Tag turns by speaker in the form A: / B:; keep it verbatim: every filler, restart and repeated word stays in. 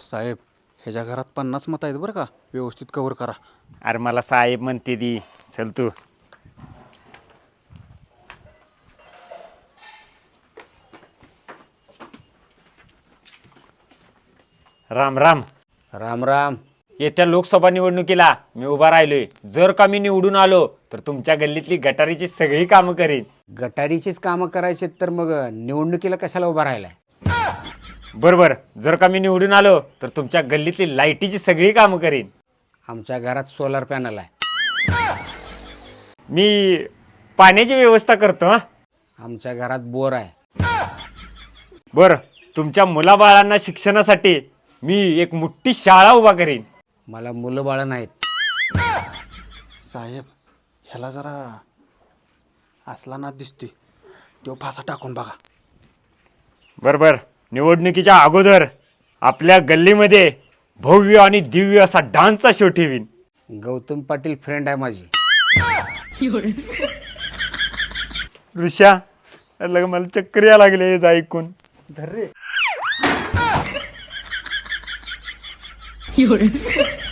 A: साहेब ह्याच्या घरात पन्नास मत आहेत बरं का, व्यवस्थित कव्हर करा.
B: अरे मला साहेब म्हणते दी. चल तू. राम राम.
C: राम राम.
B: येत्या लोकसभा निवडणुकीला मी उभा राहिलोय. जर का मी निवडून आलो तर तुमच्या गल्लीतली गटारीची सगळी कामं करीन.
C: गटारीचीच कामं करायची तर मग निवडणुकीला कशाला उभा राहिलाय?
B: बरोबर. जर का मी निवडून आलो तर तुमच्या गल्लीतली लाईटीची सगळी कामं करीन.
C: आमच्या घरात सोलर पॅनल आहे.
B: मी पाण्याची व्यवस्था करतो. हा
C: आमच्या घरात बोर आहे.
B: बरं, तुमच्या मुलाबाळांना शिक्षणासाठी मी एक मोठी शाळा उभा करीन.
C: मला मुलं बाळं नाहीत.
A: साहेब ह्याला जरा असला ना दिसतोय, तो फासा टाकून बघा.
B: बरोबर. निवडणुकीच्या अगोदर आपल्या गल्लीमध्ये भव्य आणि दिव्य असा डान्सचा शो ठेवीन.
C: गौतम पाटील फ्रेंड आहे माझी.
B: ऋषा, लग मला चक्कर या लागले हेच ऐकून.
A: धर रे.